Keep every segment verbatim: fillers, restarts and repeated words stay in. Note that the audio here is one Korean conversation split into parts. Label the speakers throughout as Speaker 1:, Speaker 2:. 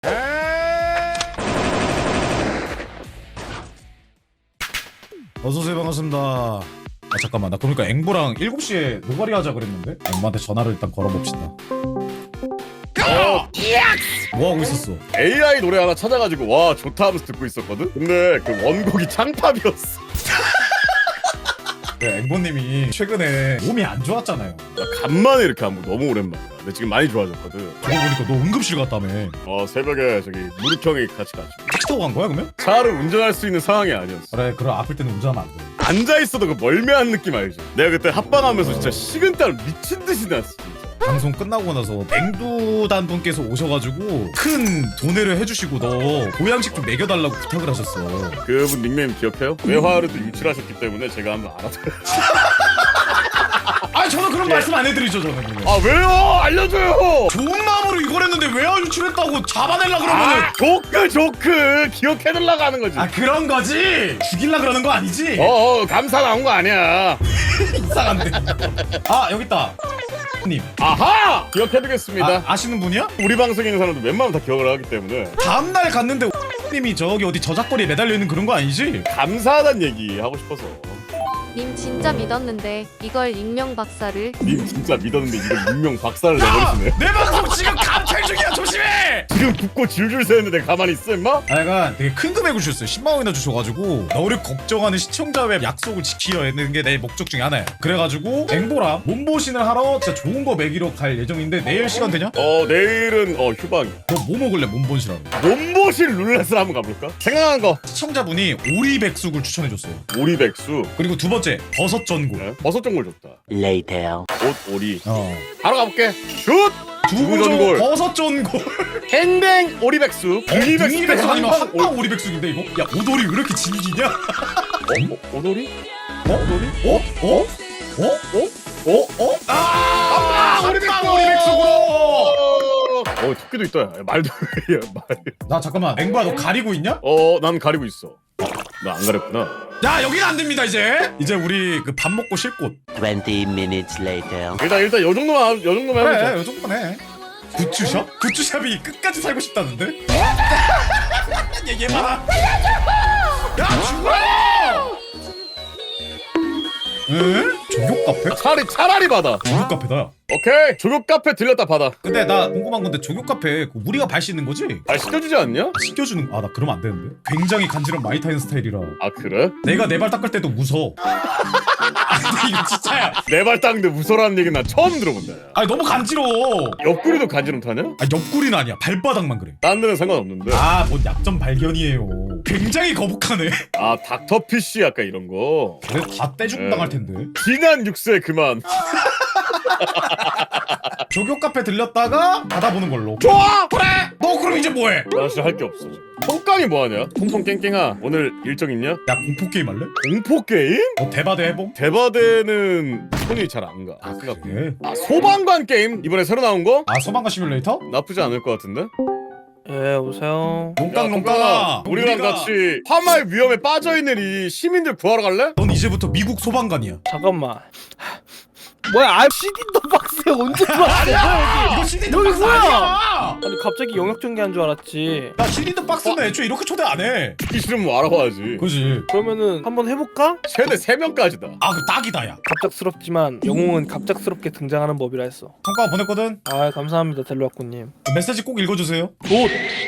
Speaker 1: 어서오세요. 반갑습니다. 아 잠깐만, 나 그러니까 앵보랑 일곱 시에 노가리 하자 그랬는데 앵보한테 전화를 일단 걸어봅시다.
Speaker 2: 어,
Speaker 1: 뭐 하고 있었어?
Speaker 2: 에이아이 노래 하나 찾아가지고 와 좋다 하면서 듣고 있었거든? 근데 그 원곡이 창팝이었어.
Speaker 1: 네, 앵보님이 최근에 몸이 안 좋았잖아요.
Speaker 2: 나 간만에 이렇게 한 번 너무 오랜만이야. 근데 지금 많이 좋아졌거든.
Speaker 1: 저거 보니까 너 응급실 갔다며.
Speaker 2: 어 새벽에 저기 무릎형이 같이 가지고
Speaker 1: 택시 타고 간 거야 그러면?
Speaker 2: 차를 운전할 수 있는 상황이 아니었어.
Speaker 1: 그래, 그럼 아플 때는 운전하면 안 돼.
Speaker 2: 앉아있어도 그 멀미한 느낌 알지? 내가 그때 합방하면서 진짜 식은땀 미친 듯이 났어 진짜.
Speaker 1: 방송 끝나고 나서 앵두단 분께서 오셔가지고 큰 도내를 해주시고 너 보양식 좀 먹여달라고 부탁을 하셨어.
Speaker 2: 그분 닉네임 기억해요? 외화를 또 유출하셨기 때문에 제가 한번 알아둬요.
Speaker 1: 아 저는 그런 말씀 안 해드리죠 저는. 그냥.
Speaker 2: 아 왜요? 알려줘요!
Speaker 1: 좋은 마음으로 이걸 했는데 외화 유출했다고 잡아내려 그러면은.
Speaker 2: 아 조크 조크 기억해달라고 하는 거지.
Speaker 1: 아 그런 거지? 죽일라 그러는 거 아니지?
Speaker 2: 어어 감사 나온 거 아니야.
Speaker 1: 이상한데. 아 여기 있다. 님.
Speaker 2: 아하! 기억해두겠습니다.
Speaker 1: 아, 아시는 분이야?
Speaker 2: 우리 방송에 있는 사람들 웬만하면 다 기억을 하기 때문에
Speaker 1: 다음날 갔는데 님이 저기 어디 저작거리에 매달려 있는 그런 거 아니지?
Speaker 2: 감사하다는 얘기 하고 싶어서.
Speaker 3: 님 진짜 믿었는데 이걸 익명 박사를.
Speaker 2: 님 진짜 믿었는데 이걸 익명 박살을 내버리시네.
Speaker 1: 내 방송 지금 감찰 중이야. 조심해.
Speaker 2: 지금 붓고 줄줄 새는데 내가 가만히 있어 임마?
Speaker 1: 아 약간 되게 큰 금액을 주셨어요. 십만 원이나 주셔가지고 너를 걱정하는 시청자의 약속을 지키려 했는 게 내 목적 중에 하나야. 그래가지고 앵보랑 몸보신을 하러 진짜 좋은 거 먹이러 갈 예정인데 내일 시간 되냐?
Speaker 2: 어 내일은 어 휴방이야.
Speaker 1: 너 뭐 먹을래? 몸보신하러.
Speaker 2: 몸보실 룰렛을 한번 가볼까? 생각난 거
Speaker 1: 시청자분이 오리백숙을 추천해줬어요.
Speaker 2: 오리백수.
Speaker 1: 그리고 두 번째 버섯 전골.
Speaker 2: 네? 버섯 전골 좋다.
Speaker 4: Later.
Speaker 2: 옷 오리.
Speaker 1: 어.
Speaker 2: 바로 가볼게. 슛!
Speaker 1: 두부
Speaker 2: 전골.
Speaker 1: 전골. 버섯 전골.
Speaker 2: 땡땡 오리백수.
Speaker 1: 등이백숙
Speaker 2: 등이백수
Speaker 1: 아니면
Speaker 2: 한방
Speaker 1: 한방 오리백숙인데 이거? 야 오돌이 왜 이렇게 질기냐?
Speaker 2: 어? 어? 오돌이?
Speaker 1: 어?
Speaker 2: 오돌이?
Speaker 1: 어? 어? 어?
Speaker 2: 어? 어? 어?
Speaker 1: 아!
Speaker 2: 한방
Speaker 1: 한방 오리백숙으로!
Speaker 2: 어 토끼도 있다. 야, 말도 야, 말.
Speaker 1: 나 잠깐만 앵보야 너 가리고 있냐?
Speaker 2: 어, 난 가리고 있어. 나 안 가렸구나.
Speaker 1: 야 여기는 안 됩니다 이제. 이제 우리 그 밥 먹고 쉴 곳.
Speaker 4: Twenty minutes later.
Speaker 2: 일단 일단 요 정도만 요 정도만 해보자.
Speaker 1: 그래 요 정도만 해. 굿즈샵? 굿즈샵이 끝까지 살고 싶다는데? 얘, 얘 봐라. 야 죽어! 응? 조교 카페?
Speaker 2: 차라리 차라리 받아.
Speaker 1: 조교 카페다.
Speaker 2: 오케이 조교 카페 들렸다 받아.
Speaker 1: 근데 나 궁금한 건데 조교 카페 그 우리가 발 씻는 거지?
Speaker 2: 아 시켜주지 않냐?
Speaker 1: 씻겨주는 아 나 그러면 안 되는데. 굉장히 간지럼 많이 타는 스타일이라
Speaker 2: 아 그래?
Speaker 1: 내가 내 발 닦을 때도 무서워. 아니 이거 진짜야.
Speaker 2: 내 발 닦는데 무서라는 얘기 난 처음 들어본다. 야.
Speaker 1: 아니 너무 간지러워.
Speaker 2: 옆구리도 간지럼 타냐?
Speaker 1: 아 옆구리는 아니야. 발바닥만 그래.
Speaker 2: 딴 데는 상관없는데.
Speaker 1: 아 뭔 약점 발견이에요. 굉장히 거북하네.
Speaker 2: 아 닥터피쉬 약간 이런 거.
Speaker 1: 그래 다 떼죽 당할 텐데.
Speaker 2: 지난 육세 그만.
Speaker 1: 조교 카페 들렸다가 받아보는 걸로.
Speaker 2: 좋아.
Speaker 1: 그래. 너 그럼 이제 뭐해?
Speaker 2: 나 진짜 할 게 없어. 통깡이 뭐하냐? 통통 깽깽아 오늘 일정 있냐?
Speaker 1: 야 공포 게임 할래?
Speaker 2: 공포 게임?
Speaker 1: 어 대바대 해봉?
Speaker 2: 대바대는 손이 잘 안 가.
Speaker 1: 아
Speaker 2: 생각보다.
Speaker 1: 그래?
Speaker 2: 아 소방관 게임 이번에 새로 나온 거?
Speaker 1: 아 소방관 시뮬레이터?
Speaker 2: 나쁘지 않을 것 같은데?
Speaker 5: 예, 오세요.
Speaker 1: 농깡
Speaker 2: 야,
Speaker 1: 농깡아.
Speaker 2: 우리랑
Speaker 1: 우리가-
Speaker 2: 같이 화말 위험에 빠져있는 이 시민들 구하러 갈래?
Speaker 1: 넌 이제부터 미국 소방관이야.
Speaker 5: 잠깐만. 뭐야, 아, 씨디도 박스에 언제 들어왔어?
Speaker 1: 이거 씨디드
Speaker 5: 여기
Speaker 1: 박스
Speaker 5: 뭐야?
Speaker 1: 아니야.
Speaker 5: 아니, 갑자기 영역 전개한 줄 알았지.
Speaker 1: 나 씨디드 박스는 애초에 이렇게 초대 안 해.
Speaker 2: 듣기 싫으면 뭐 알아봐야지.
Speaker 1: 그지?
Speaker 5: 그러면은 한번 해볼까?
Speaker 2: 최대 세 명까지다.
Speaker 1: 아 그 딱이다 야.
Speaker 5: 갑작스럽지만 영웅은 갑작스럽게 등장하는 법이라 했어.
Speaker 1: 성과 보냈거든.
Speaker 5: 아, 감사합니다, 델로아꾸님.
Speaker 1: 메시지 꼭 읽어주세요.
Speaker 5: 굿!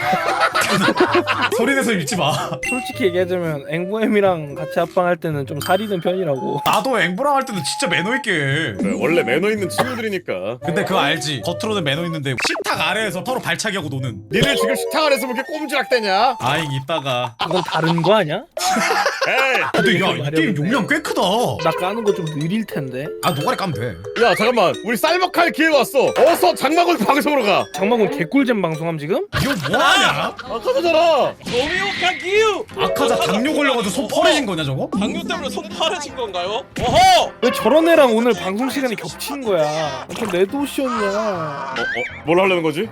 Speaker 1: 소리내서 읽지 마.
Speaker 5: 솔직히 얘기하자면 앵보엠이랑 같이 합방할 때는 좀 살이는 편이라고.
Speaker 1: 나도 앵보랑 할 때는 진짜 매너 있게 해.
Speaker 2: 그래, 원래 매너 있는 친구들이니까.
Speaker 1: 근데 그거 알지? 겉으로는 매너 있는데 식탁 아래에서 서로 발차기 하고 노는.
Speaker 2: 니네 지금 식탁 안에서 왜 이렇게 꼼지락대냐?
Speaker 1: 아잉 이따가.
Speaker 5: 그건 다른 거 아니야?
Speaker 2: 에이!
Speaker 1: 근데 야 이 게임 용량 꽤 크다.
Speaker 5: 나 까는 거 좀 느릴 텐데.
Speaker 1: 아 노가리 까면 돼.
Speaker 2: 야 잠깐만 우리 쌀먹할 기회가 왔어. 어서 장마군 방송으로 가.
Speaker 5: 장마군 개꿀잼 방송함 지금?
Speaker 1: 이거 뭐하냐?
Speaker 2: 아까잖아.
Speaker 6: 노미오카 기우!
Speaker 1: 아카자 당뇨 걸려가지고 손 퍼레진 거냐 저거?
Speaker 6: 당뇨 때문에 손 파래진 건가요? 어허!
Speaker 5: 왜 저런 애랑 오늘 방송 시간이 겹치는 거야? 완전 레드오션이야.
Speaker 2: 어? 어? 뭘 하려는 거지?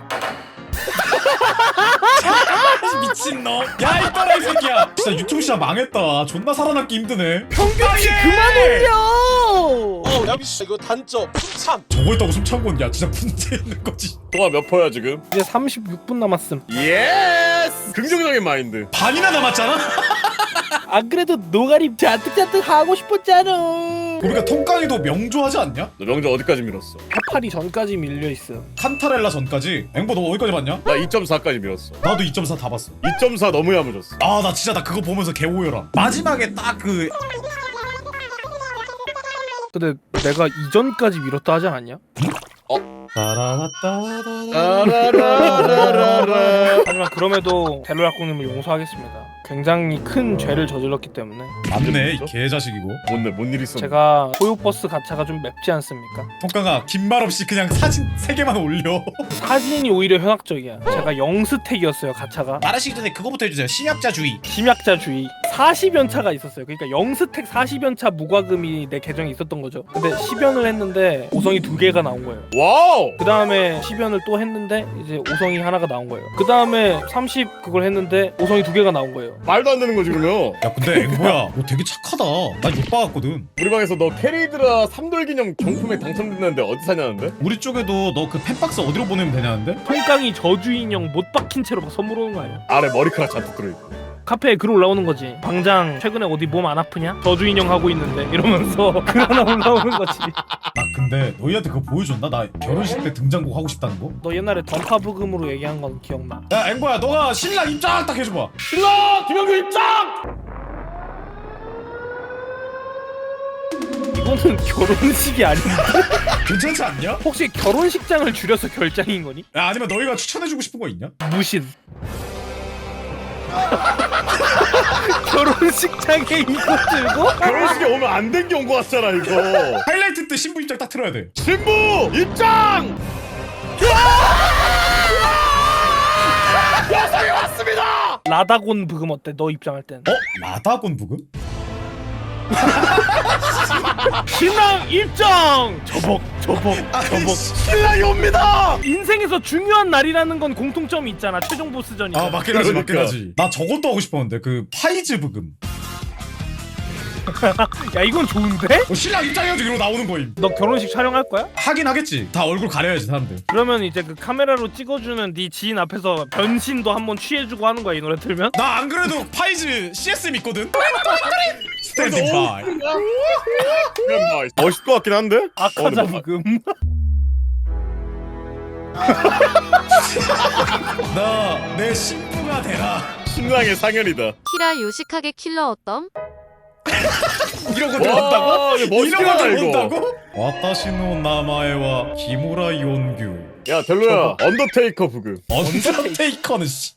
Speaker 1: 미친놈. 야 이 또라이 새끼야. 진짜 유튜브 시작 망했다. 존나 살아남기 힘드네.
Speaker 5: 평균치 그만 올려!
Speaker 6: 어 형 야비 씨 이거 단점 풍참.
Speaker 1: 저거 있다고 숨 찬 건 야 진짜 문제 있는 거지.
Speaker 2: 동아 몇 퍼야 지금?
Speaker 5: 이제 삼십육 분 남았음.
Speaker 2: 예스! 긍정적인 마인드.
Speaker 1: 반이나 남았잖아.
Speaker 5: 안 그래도 노가리 잔뜩잔뜩 하고 싶었잖아.
Speaker 1: 우리가 통깡이도 명조하지 않냐?
Speaker 2: 너 명절 어디까지 밀었어?
Speaker 5: 해파리 전까지 밀려있어.
Speaker 1: 칸타렐라 전까지. 앵보 너 어디까지 봤냐?
Speaker 2: 나 이 점 사까지 밀었어.
Speaker 1: 나도 이 점 사 다 봤어.
Speaker 2: 이 점 사 너무 야무졌어.
Speaker 1: 아 나 진짜 나 그거 보면서 개오열아. 마지막에 딱 그
Speaker 5: 근데 내가 이전까지 밀었다 하지 않았냐?
Speaker 2: 라라라라라라.
Speaker 5: 하지만 그럼에도 델로약국님을 용서하겠습니다. 굉장히 큰 죄를 저질렀기 때문에.
Speaker 1: 맞네 이 개자식이고.
Speaker 2: 뭔데 뭔 일 있어?
Speaker 5: 제가 소요버스 가차가 좀 맵지 않습니까?
Speaker 1: 통깡아 긴 말 없이 그냥 사진 세 개만 올려.
Speaker 5: 사진이 오히려 현학적이야. 제가 영스택이었어요 가차가.
Speaker 1: 말하시기 전에 그거부터 해주세요. 심약자주의.
Speaker 5: 심약자주의. 사십 연차가 있었어요. 그러니까 영스택 사십 연차 무과금이 내 계정에 있었던 거죠. 근데 십 연을 했는데 오성이 두 개가 나온 거예요.
Speaker 2: 와우!
Speaker 5: 그 다음에 십 연을 또 했는데 이제 오성이 하나가 나온 거예요. 그 다음에 삼십 그걸 했는데 오성이 두 개가 나온 거예요.
Speaker 2: 말도 안 되는 거지 그러면.
Speaker 1: 야 근데 앵보야 너 되게 착하다. 난 못 봐왔거든.
Speaker 2: 우리 방에서 너 캐리드라 삼돌 기념 경품에 당첨됐는데 어디 사냐는데?
Speaker 1: 우리 쪽에도 너 그 팬박스 어디로 보내면 되냐는데?
Speaker 5: 통깡이 저주 인형 못 박힌 채로 선물 오는 거 아니야?
Speaker 2: 아래 머리카락 잔뜩 들어있고.
Speaker 5: 카페에 글 올라오는 거지. 방장 최근에 어디 몸 안 아프냐? 저주 인형 하고 있는데 이러면서 글 하나 올라오는 거지.
Speaker 1: 나 근데 너희한테 그거 보여줬나? 나 결혼식 때 등장곡 하고 싶다는 거?
Speaker 5: 너 옛날에 던파 부금으로 얘기한 건 기억나?
Speaker 1: 야 앵보야 너가 신랑 입장 딱 해줘봐.
Speaker 2: 신라! 김영규 입장!
Speaker 5: 이거는 결혼식이 아닌데?
Speaker 1: 괜찮지 않냐?
Speaker 5: 혹시 결혼식장을 줄여서 결장인 거니?
Speaker 1: 야 아니면 너희가 추천해주고 싶은 거 있냐?
Speaker 5: 무신. 결혼식장에 이거 들고?
Speaker 2: 결혼식에 오면 안 된 경우 같잖아 이거.
Speaker 1: 하이라이트 때 신부 입장 딱 틀어야 돼.
Speaker 2: 신부 입장! 여성이 왔습니다!
Speaker 5: 라다곤 부금 어때? 너 입장할 땐.
Speaker 1: 어? 라다곤 부금?
Speaker 5: 신랑 입장! 저벅 저벅 저벅.
Speaker 2: 신랑이 옵니다!
Speaker 5: 인생에서 중요한 날이라는 건 공통점이 있잖아. 최종 보스전이.
Speaker 1: 아 맞긴 하지 맞긴
Speaker 2: 그러니까.
Speaker 1: 하지. 나 저것도 하고 싶었는데 그 파이즈 부금.
Speaker 5: 야 이건 좋은데?
Speaker 1: 어, 신랑 입장해가지고 이러고 나오는 거임.
Speaker 5: 너 결혼식 촬영할 거야?
Speaker 1: 하긴 하겠지. 다 얼굴 가려야지 사람들.
Speaker 5: 그러면 이제 그 카메라로 찍어주는 네 지인 앞에서 변신도 한번 취해주고 하는 거야 이 노래 틀면?
Speaker 1: 나 안 그래도 파이즈 씨에스엠 있거든. 스탠딩 바이.
Speaker 2: 멋있을 것 같긴 한데?
Speaker 5: 아카자
Speaker 2: 어, 근데
Speaker 5: 부금.
Speaker 1: 나 내 신부가 되라.
Speaker 2: 신랑의 상현이다.
Speaker 3: 키라 요식하게 킬러 어떤?
Speaker 1: 이러고 들어온다고?
Speaker 2: 와, 이거 멋있긴
Speaker 1: 이러고
Speaker 2: 하다 이거.
Speaker 1: 들어온다고? 와타시노 나마에와 기무라 이온규.
Speaker 2: 야 델로야 언더테이커 부금.
Speaker 1: 언더테이커는 씨.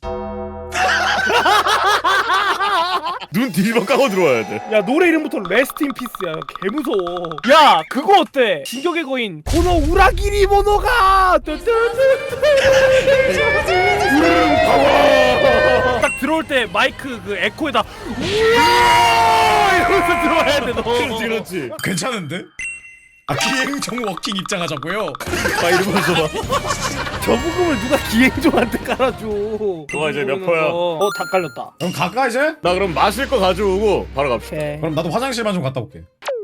Speaker 2: 눈 뒤집어 까고 들어와야 돼.
Speaker 5: 야 노래 이름부터 레스트 인 피스야. 개무서워. 야 그거 어때? 진격의 거인 고노 우라기리 모노가 딱 들어올 때 마이크 그 에코에다 우와 이러면서 들어와야 돼 너.
Speaker 2: 그렇지 그렇지.
Speaker 1: 괜찮은데? 아 기행정 워킹 입장하자고요?
Speaker 2: 아 이러면서 봐.
Speaker 5: 저 부금을 누가 기행종한테 깔아줘.
Speaker 2: 너가 이제 몇 퍼야?
Speaker 5: 어다 깔렸다.
Speaker 1: 그럼 갈까 이제?
Speaker 2: 나 그럼 마실 거 가져오고 바로 갑시다.
Speaker 5: 오케이.
Speaker 1: 그럼 나도 화장실만 좀 갔다 올게.